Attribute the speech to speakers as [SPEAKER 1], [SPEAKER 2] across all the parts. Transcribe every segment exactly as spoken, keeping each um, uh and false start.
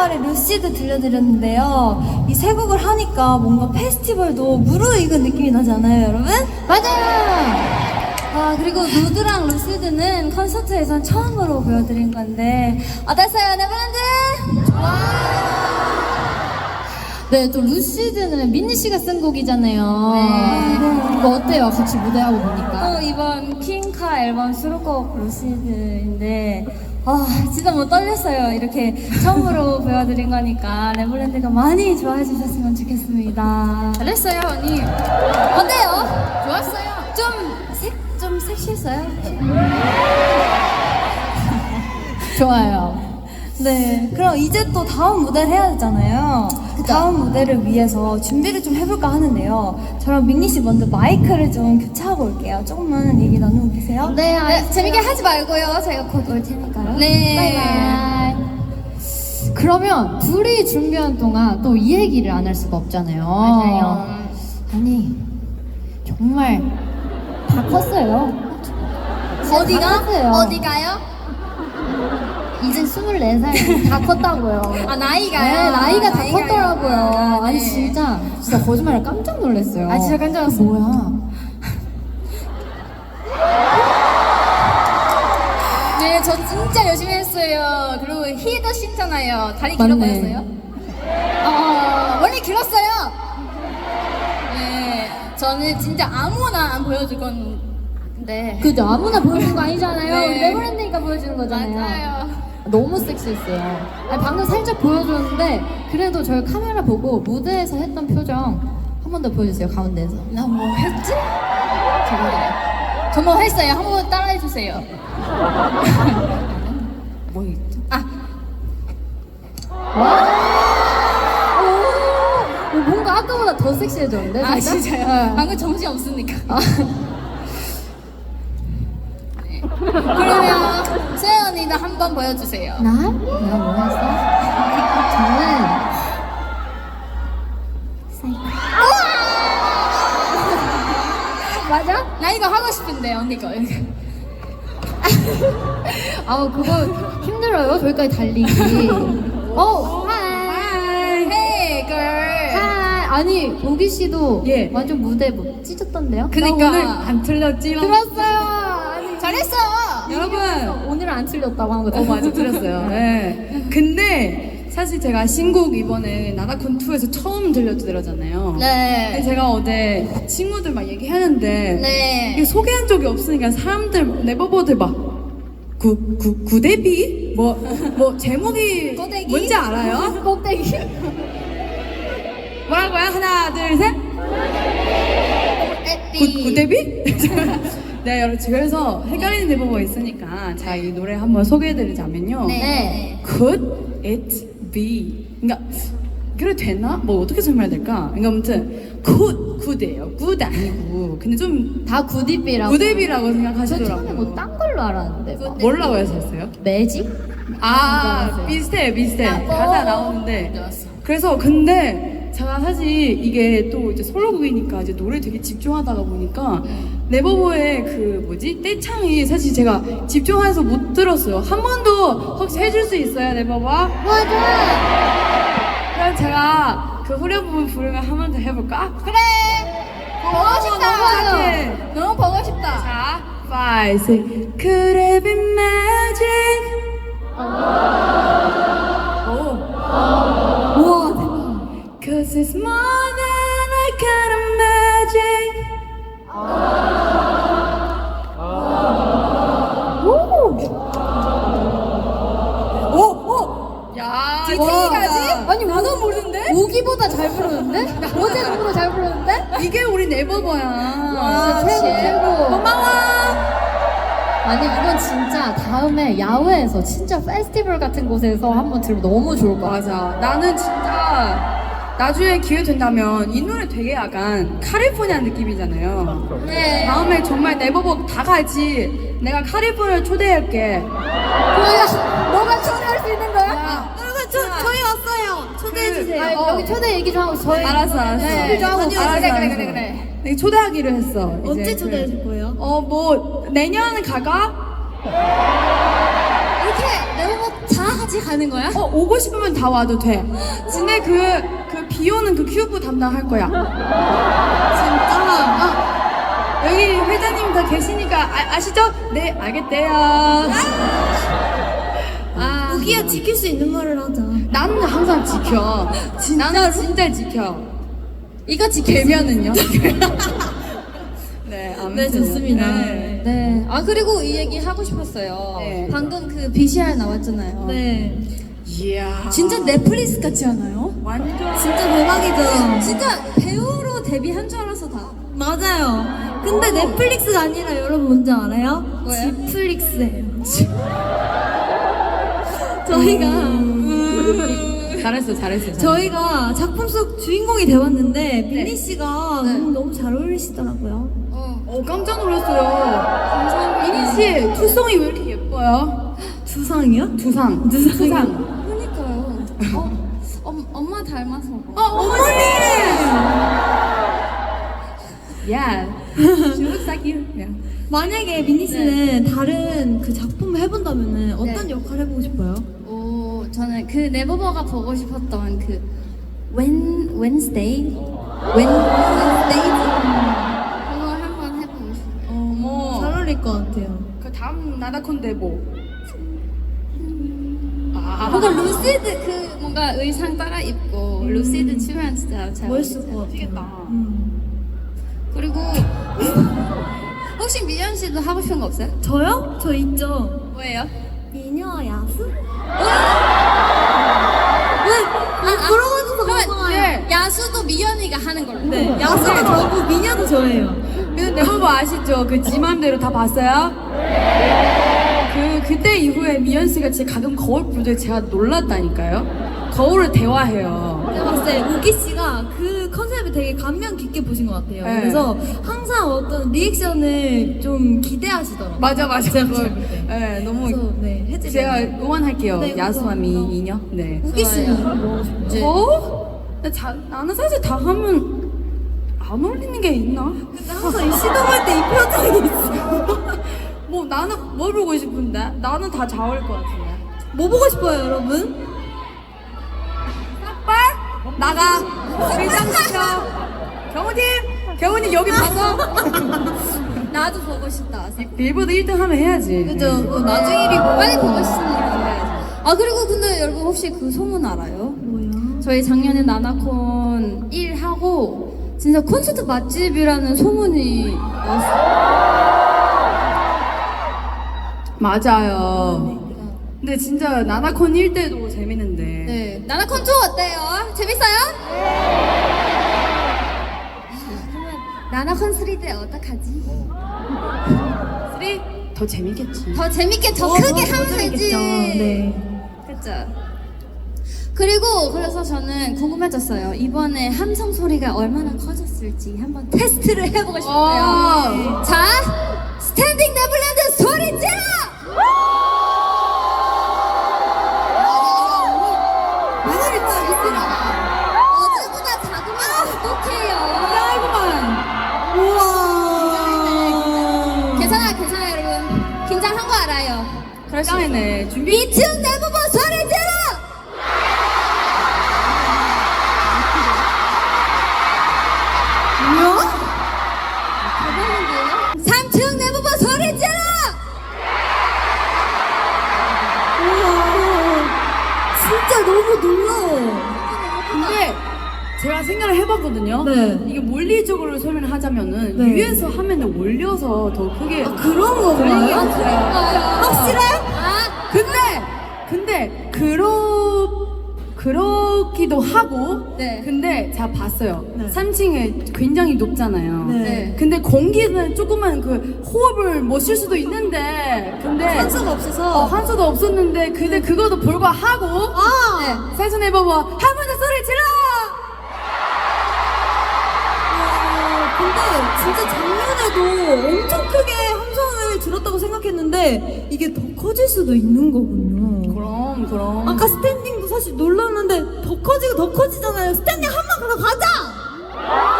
[SPEAKER 1] 만에 루시드 들려드렸는데요. 이 세 곡을 하니까 뭔가 페스티벌도 무르익은 느낌이 나지 않아요, 여러분?
[SPEAKER 2] 맞아요.
[SPEAKER 1] 아, 그리고 누드랑 루시드는 콘서트에선 처음으로 보여드린 건데 어땠어요, 네버랜드?
[SPEAKER 2] 네, 또 루시드는 민니 씨가 쓴 곡이잖아요.
[SPEAKER 1] 네.
[SPEAKER 2] 이거 어때요? 같이 무대하고 보니까.
[SPEAKER 1] 또 이번 퀸카 앨범 수록곡 루시드인데 아 진짜 뭐 떨렸어요. 이렇게 처음으로 보여드린 거니까 네버랜드가 많이 좋아해 주셨으면 좋겠습니다.
[SPEAKER 2] 잘했어요, 언니.
[SPEAKER 1] 어때요?
[SPEAKER 2] 좋았어요.
[SPEAKER 1] 좀 색, 좀 섹시했어요?
[SPEAKER 2] 좋아요.
[SPEAKER 1] 네, 그럼 이제 또 다음 무대를 해야 되잖아요. 그 다음 무대를 위해서 준비를 좀 해볼까 하는데요. 저랑 민니 씨 먼저 마이크를 좀 교체하고 올게요. 조금만 얘기 나누고 계세요.
[SPEAKER 2] 네,
[SPEAKER 1] 네, 재밌게 하지 말고요. 제가 곧 올 테니까요.
[SPEAKER 2] 네.
[SPEAKER 1] 바이바이.
[SPEAKER 2] 그러면 둘이 준비한 동안 또 이 얘기를 안 할 수가 없잖아요.
[SPEAKER 1] 맞아요.
[SPEAKER 2] 아니, 정말 다 컸어요.
[SPEAKER 1] 어디가?
[SPEAKER 2] 다 컸어요.
[SPEAKER 1] 어디가요?
[SPEAKER 2] 이제 스물네 살 다 컸다고요.
[SPEAKER 1] 아, 나이가요?
[SPEAKER 2] 네, 나이가 다
[SPEAKER 1] 나이가요.
[SPEAKER 2] 컸더라고요.
[SPEAKER 1] 아,
[SPEAKER 2] 아니
[SPEAKER 1] 네.
[SPEAKER 2] 진짜 진짜 거짓말을 깜짝 놀랐어요.
[SPEAKER 1] 아, 진짜 깜짝 놀랐어요.
[SPEAKER 2] 뭐야?
[SPEAKER 3] 네, 저 진짜 열심히 했어요. 그리고 히도 신잖아요. 다리 길어
[SPEAKER 2] 맞네.
[SPEAKER 3] 보였어요? 어, 원래 길었어요. 네, 저는 진짜 아무나 안 보여줄 건데.
[SPEAKER 2] 그죠? 아무나 보여주는 거 아니잖아요.
[SPEAKER 3] 네.
[SPEAKER 2] 우리 네버랜드니까 보여주는 거잖아요.
[SPEAKER 3] 맞아요.
[SPEAKER 2] 너무 섹시했어요. 아니, 방금 살짝 보여줬는데 그래도 저희 카메라 보고 무대에서 했던 표정 한 번 더 보여주세요. 가운데에서.
[SPEAKER 3] 나 뭐 했지? 저번에. 저 뭐 했어요? 한 번 따라해 주세요. 뭐 있죠? 아,
[SPEAKER 2] 오, 뭔가 아까보다 더 섹시해졌는데?
[SPEAKER 3] 아
[SPEAKER 2] 진짜?
[SPEAKER 3] 진짜요?
[SPEAKER 2] 네.
[SPEAKER 3] 방금 정신 없으니까.
[SPEAKER 2] 아,
[SPEAKER 3] 그러면 세연 언니도 한 번 보여주세요.
[SPEAKER 2] 나? 내가 뭐 했어? 저는
[SPEAKER 3] 맞아? 나 이거 하고 싶은데 언니 거.
[SPEAKER 2] 아 그거 힘들어요. 저기까지 달리기. 어, 하이.
[SPEAKER 3] Hey girl.
[SPEAKER 2] 하이. 아니 보기 씨도
[SPEAKER 4] 예.
[SPEAKER 2] 완전 무대 뭐 찢었던데요?
[SPEAKER 3] 그니까.
[SPEAKER 4] 오늘 안 틀렸지롱.
[SPEAKER 2] 들었어요. 아니,
[SPEAKER 3] 잘했어.
[SPEAKER 4] 여러분.
[SPEAKER 2] 오늘은 안 틀렸다고 한 거.
[SPEAKER 4] 어 맞아 들었어요. 네. 근데 사실 제가 신곡 이번에 나나콘 투에서 처음 들려드렸잖아요. 근데
[SPEAKER 3] 네.
[SPEAKER 4] 제가 어제 친구들 막 얘기하는데
[SPEAKER 3] 네.
[SPEAKER 4] 이게 소개한 적이 없으니까 사람들 네버버들 막구구 구데비 뭐 뭐 제목이
[SPEAKER 3] 꼬대기?
[SPEAKER 4] 뭔지 알아요?
[SPEAKER 2] 꼭대기.
[SPEAKER 4] 뭐라고요? 하나 둘 셋. 구 구데비? 네 여러분 그래서 헷갈리는 네버버 있으니까 자 이 노래 한번 소개해드리자면요.
[SPEAKER 3] 네.
[SPEAKER 4] Could it be? 그러니까 그래도 되나? 뭐 어떻게 설명해야 될까? 그러니까 아무튼 could, could예요. good 아니고 근데 좀
[SPEAKER 2] 다 구디비라고.
[SPEAKER 4] 구데비라고
[SPEAKER 2] 저
[SPEAKER 4] 생각하시더라고요.
[SPEAKER 2] 처음에 뭐 딴 걸로 알았는데. 막.
[SPEAKER 4] 뭐라고 하셨어요?
[SPEAKER 2] 매직?
[SPEAKER 4] 아
[SPEAKER 2] 맞아요.
[SPEAKER 4] 비슷해 비슷해
[SPEAKER 3] 아,
[SPEAKER 4] 가사
[SPEAKER 3] 어.
[SPEAKER 4] 나오는데
[SPEAKER 3] 좋았어.
[SPEAKER 4] 그래서 근데 제가 사실 이게 또 이제 솔로곡이니까 이제 노래 되게 집중하다가 보니까 네버버의 그 뭐지 떼창이 사실 제가 집중해서 못 들었어요. 한 번 더 혹시 해줄 수 있어요 네버버?
[SPEAKER 2] 맞아.
[SPEAKER 4] 그럼 제가 그 후렴 부분 부르면 한 번 더 해볼까?
[SPEAKER 3] 그래. 보고 싶다.
[SPEAKER 4] 너무 착해.
[SPEAKER 3] 너무 보고 싶다.
[SPEAKER 4] 자, five, six. Could it be magic? 오.
[SPEAKER 2] 우와 대박.
[SPEAKER 4] Cause it's more than a kind of magic. 오! 오! 야,
[SPEAKER 3] 디테일하지?
[SPEAKER 2] 아니 나도 모르는데? 오기보다 잘 부르는데? 어제 노보다 잘 부르는데?
[SPEAKER 4] 이게 우리 네버버야.
[SPEAKER 2] 아, 최고 최고.
[SPEAKER 4] 고마워.
[SPEAKER 2] 아니 이건 진짜 다음에 야외에서 진짜 페스티벌 같은 곳에서 한번 들으면 너무 좋을 것 같아.
[SPEAKER 4] 맞아. 나는 진짜 나중에 기회 된다면 이 노래 되게 약간 카리포니아 느낌이잖아요.
[SPEAKER 3] 네.
[SPEAKER 4] 다음에 정말 네버버 다 같이 내가 카리포니아 초대할게.
[SPEAKER 2] 뭐야? 너가 초대할 수 있는 거야?
[SPEAKER 4] 야,
[SPEAKER 1] 여러분, 저, 저희 왔어요. 초대해주세요.
[SPEAKER 2] 아니, 여기 초대 얘기 좀 하고 저희
[SPEAKER 4] 알았어, 알았어.
[SPEAKER 2] 네, 좀 하고
[SPEAKER 3] 그래,
[SPEAKER 4] 알았어,
[SPEAKER 3] 그래,
[SPEAKER 4] 알았어.
[SPEAKER 3] 그래, 그래.
[SPEAKER 4] 내가 초대하기로 했어.
[SPEAKER 1] 언제
[SPEAKER 4] 이제
[SPEAKER 1] 초대해
[SPEAKER 4] 그-
[SPEAKER 1] 줄 거예요?
[SPEAKER 4] 어, 뭐 내년 가가?
[SPEAKER 1] 이렇게 네버버 다 같이
[SPEAKER 3] 다시 가는 거야?
[SPEAKER 4] 어 오고 싶으면 다 와도 돼. 근데 그 그 비오는 그 큐브 담당할 거야. 진짜? 아, 여기 회장님 다 계시니까 아, 아시죠? 네 알겠대요.
[SPEAKER 3] 아,
[SPEAKER 1] 우기야 지킬 수 있는 말을 하자.
[SPEAKER 4] 나는 항상 지켜. 나는 진짜 지켜.
[SPEAKER 3] 이거 지켜.
[SPEAKER 4] 개면은요? 네, 아무튼.
[SPEAKER 1] 네, 좋습니다.
[SPEAKER 4] 네.
[SPEAKER 3] 네. 아 그리고 이 얘기 하고 싶었어요.
[SPEAKER 4] 네.
[SPEAKER 3] 방금 그 비씨알 나왔잖아요.
[SPEAKER 1] 네.
[SPEAKER 4] 이야.
[SPEAKER 3] 진짜 넷플릭스 같지 않아요?
[SPEAKER 4] 완전.
[SPEAKER 1] 진짜 대박이죠.
[SPEAKER 3] 진짜 배우로 데뷔한 줄 알아서 다.
[SPEAKER 1] 맞아요. 근데 넷플릭스가 아니라 여러분 뭔지 알아요?
[SPEAKER 3] 뭐예요?
[SPEAKER 1] 지플릭스예요. 저희가
[SPEAKER 4] 잘했어, 잘했어. 잘했어.
[SPEAKER 1] 저희가 작품 속 주인공이 되었는데 민니 씨가
[SPEAKER 3] 네.
[SPEAKER 1] 너무, 너무 잘 어울리시더라고요.
[SPEAKER 3] 어.
[SPEAKER 4] 어, 깜짝 놀랐어요. 미니 씨, 투성이 왜 이렇게 예뻐요?
[SPEAKER 1] 두상이요?
[SPEAKER 4] 두상.
[SPEAKER 1] 두상.
[SPEAKER 4] 두상.
[SPEAKER 3] 그러니까요. 어, 엄, 엄마 닮아서.
[SPEAKER 4] 어, 어머니! 야, she looks like you. Yeah.
[SPEAKER 1] 만약에 민니 씨는 다른 그 작품을 해본다면은 어떤
[SPEAKER 3] 네.
[SPEAKER 1] 역할 해보고 싶어요?
[SPEAKER 3] 오, 저는 그 네버버가 보고 싶었던 그 When Wednesday, When Wednesday 그거 한번 해보고 싶어요.
[SPEAKER 4] 어머.
[SPEAKER 1] 잘 어울릴 것 같아요.
[SPEAKER 4] 그 다음 나다콘데 뭐? 아,
[SPEAKER 3] 뭔가 루시드 그 뭔가 의상 따라 입고 루시드 추면 진짜 잘
[SPEAKER 1] 멋있을 것 같아요.
[SPEAKER 4] 멋지겠다.
[SPEAKER 1] 음.
[SPEAKER 3] 그리고 혹시 미연 씨도 하고 싶은 거 없어요?
[SPEAKER 1] 저요? 저 있죠.
[SPEAKER 3] 뭐예요?
[SPEAKER 1] 미녀 야수?
[SPEAKER 3] 아,
[SPEAKER 1] 왜? 그러고도
[SPEAKER 3] 그러면
[SPEAKER 1] 고마워요.
[SPEAKER 4] 네.
[SPEAKER 3] 야수도 미연이가 하는 걸로.
[SPEAKER 1] 네, 야수가 저고 미녀도 저예요.
[SPEAKER 4] 근데 네버버 아시죠? 그 지 맘대로 다 봤어요? 그 그때 이후에 미연 씨가 진짜 가끔 거울 볼 때 제가 놀랐다니까요. 거울을 대화해요.
[SPEAKER 1] 제가 봤을 때 우기 씨가 그 컨셉을 되게 감명 깊게 보신 것 같아요.
[SPEAKER 4] 네.
[SPEAKER 1] 그래서 항상 어떤 리액션을 좀 기대하시더라고요.
[SPEAKER 4] 맞아 맞아.
[SPEAKER 1] 제가
[SPEAKER 4] 그걸,
[SPEAKER 1] 봤을 때.
[SPEAKER 4] 네, 너무
[SPEAKER 1] 그래서 네, 해주세요.
[SPEAKER 4] 제가 응원할게요.
[SPEAKER 1] 네,
[SPEAKER 4] 야수와 미
[SPEAKER 1] 응원.
[SPEAKER 4] 이녀. 네.
[SPEAKER 1] 우기 씨는
[SPEAKER 3] 좋아요.
[SPEAKER 1] 뭐 하고 싶어요?
[SPEAKER 3] 네.
[SPEAKER 4] 어? 나 자, 나는 사실 다 하면 안 어울리는 게 있나?
[SPEAKER 1] 근데 항상 이 시동할 때 이 표정이 있어요.
[SPEAKER 4] 뭐 나는 뭘 보고 싶은데? 나는 다 잘 어울릴 것 같은데.
[SPEAKER 1] 뭐 보고 싶어요, 여러분?
[SPEAKER 4] 빨 나가. 회장시켜. 경호님, 경호님 여기 봐서.
[SPEAKER 3] 나도 보고 싶다.
[SPEAKER 4] 빌보드 일 등 하면 해야지.
[SPEAKER 1] 그죠? 그 나중에 일이 뭐
[SPEAKER 3] 빨리 보고 싶으니까. 아 그리고 근데 여러분 혹시 그 소문 알아요?
[SPEAKER 1] 뭐야?
[SPEAKER 3] 저희 작년에 나나콘 일 하고 진짜 콘서트 맛집이라는 소문이 왔어요.
[SPEAKER 4] 맞아요. 근데 진짜 나나콘 일 때도 재밌는데.
[SPEAKER 3] 네. 나나콘 투 어때요? 재밌어요? 그러면 나나콘 쓰리 때 어떡하지?
[SPEAKER 4] 쓰리 더 재밌겠지.
[SPEAKER 3] 더 재밌게 더
[SPEAKER 1] 어,
[SPEAKER 3] 크게
[SPEAKER 1] 더
[SPEAKER 3] 하면 되지.
[SPEAKER 1] 재밌겠죠. 네.
[SPEAKER 3] 그쵸? 그리고 그래서 저는 궁금해졌어요. 이번에 함성 소리가 얼마나 커졌을지 한번 테스트를 해보고 싶어요.
[SPEAKER 4] 어.
[SPEAKER 3] 자, 스탠딩 네블랜드 소리 질러! 왜 그랬지? 어제보다 작으면 어떡해요?
[SPEAKER 1] 우와.
[SPEAKER 3] 괜찮아요, 괜찮아요, 여러분. 긴장한 거 알아요. 그럴 수 있어요.
[SPEAKER 4] 짱이네. 준비.
[SPEAKER 3] 이층 네버버 소리 질러!
[SPEAKER 1] 뭐야?
[SPEAKER 3] 대박인데요? 삼 층 네버버 소리 질러!
[SPEAKER 1] 우와. 진짜 너무 놀라워.
[SPEAKER 4] 근데 제가 생각을 해봤거든요.
[SPEAKER 1] 네.
[SPEAKER 4] 이게 물리적으로 설명을 하자면은
[SPEAKER 1] 네.
[SPEAKER 4] 위에서 하면은 올려서 더 크게.
[SPEAKER 1] 아, 그런 거
[SPEAKER 4] 들리게
[SPEAKER 1] 봐요?
[SPEAKER 4] 했어요.
[SPEAKER 1] 확실해?
[SPEAKER 3] 아,
[SPEAKER 4] 근데 근데 그러 그렇기도 하고.
[SPEAKER 3] 네.
[SPEAKER 4] 근데 제가 봤어요.
[SPEAKER 1] 네.
[SPEAKER 4] 삼 층에 굉장히 높잖아요.
[SPEAKER 1] 네.
[SPEAKER 4] 근데 공기는 조금만 그 호흡을 못 쉴 수도 있는데 근데
[SPEAKER 1] 한수가 없어서.
[SPEAKER 4] 어, 한수도 없었는데 근데 그것도 불구하고
[SPEAKER 1] 아!
[SPEAKER 3] 네.
[SPEAKER 4] 세션 해봐봐 한 번 더 소리 질러.
[SPEAKER 1] 아, 근데 진짜 작년에도 엄청 크게 함성을 들었다고 생각했는데 이게 더 커질 수도 있는 거군요.
[SPEAKER 4] 그럼 그럼.
[SPEAKER 1] 아까 스탠딩도 사실 놀랐는데 더 커지고 더 커지잖아요. 스탠딩 한 번 더 가자!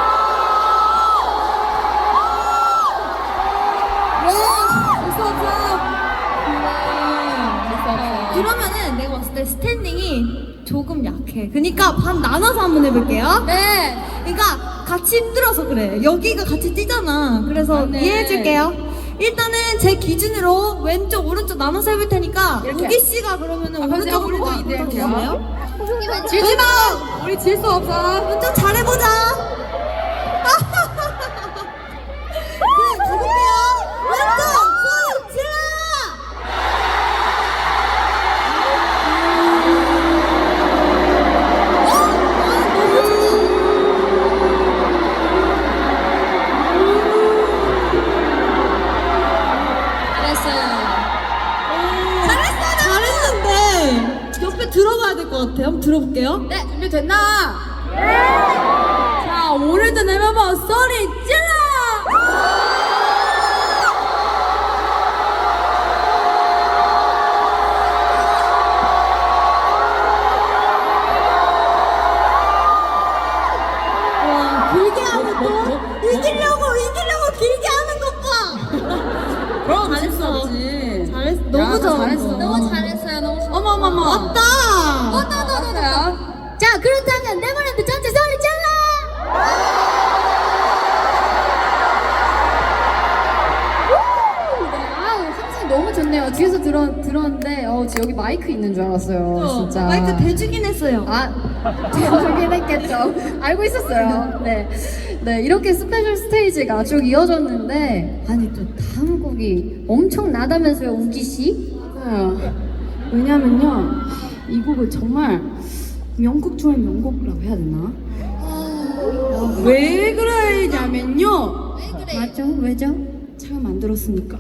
[SPEAKER 3] 와,
[SPEAKER 1] 있어 없어?
[SPEAKER 3] 있어, 없어.
[SPEAKER 1] 그러면은 내가 봤을 때 스탠딩이 조금 약해. 그러니까 반 나눠서 한번 해볼게요.
[SPEAKER 2] 네.
[SPEAKER 1] 그러니까 같이 힘들어서 그래. 여기가 같이 뛰잖아. 그래서
[SPEAKER 2] 맞네.
[SPEAKER 1] 이해해줄게요. 일단은 제 기준으로 왼쪽 오른쪽 나눠서 해볼 테니까
[SPEAKER 4] 이렇게.
[SPEAKER 1] 우기 씨가 그러면은
[SPEAKER 4] 아, 그럼 제가
[SPEAKER 1] 오른쪽으로
[SPEAKER 4] 오른쪽 이대할게요.
[SPEAKER 1] 가볼까요?
[SPEAKER 2] 질지 마.
[SPEAKER 4] 우리 질 수 없어.
[SPEAKER 1] 왼쪽 잘해보자. 그래 가볼게요. 왼쪽 손 질러.
[SPEAKER 2] 잘했어요.
[SPEAKER 1] 잘했는데 옆에 들어가야 될 것 같아요. 한번 들어볼게요.
[SPEAKER 2] 네.
[SPEAKER 4] 준비됐나? 자, 오늘도 내봐봐 소리 질러!
[SPEAKER 1] 와 길게 하는 거 이기려고 이기려고 길게 하는 것 봐.
[SPEAKER 4] 그럼 잘했어.
[SPEAKER 1] 잘했어. 너무 잘했어.
[SPEAKER 4] 잘했어.
[SPEAKER 3] 너무 잘했어요. 너무 잘했어요.
[SPEAKER 4] 어머머머.
[SPEAKER 1] 맞다.
[SPEAKER 4] 잘했어요.
[SPEAKER 2] 자, 그렇다면 네버랜드 전체 소리 질러! 아우, 항상 너무 좋네요. 뒤에서 들어, 들었는데, 어, 여기 마이크 있는 줄 알았어요. 진짜.
[SPEAKER 1] 마이크 대주긴 했어요.
[SPEAKER 2] 아, 저긴 했겠죠. 알고 있었어요. 네. 네, 이렇게 스페셜 스테이지가 쭉 이어졌는데, 아니, 또 다음 곡이 엄청나다면서요, 우기씨?
[SPEAKER 4] 맞아요. 왜냐면요, 이 곡은 정말 명곡 중에 명곡이라고 해야 되나? 아, 왜 그러냐면요,
[SPEAKER 2] 맞죠? 왜죠?
[SPEAKER 4] 제가 만들었으니까.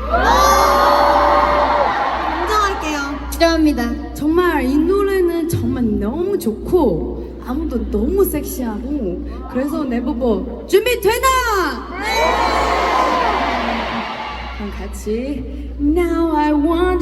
[SPEAKER 1] 인정할게요.
[SPEAKER 2] 인정합니다.
[SPEAKER 4] 정말 이 노래는 정말 너무 좋고 아무도 너무 섹시하고 그래서 네버버 준비되나? 네! 그럼 같이 Now I want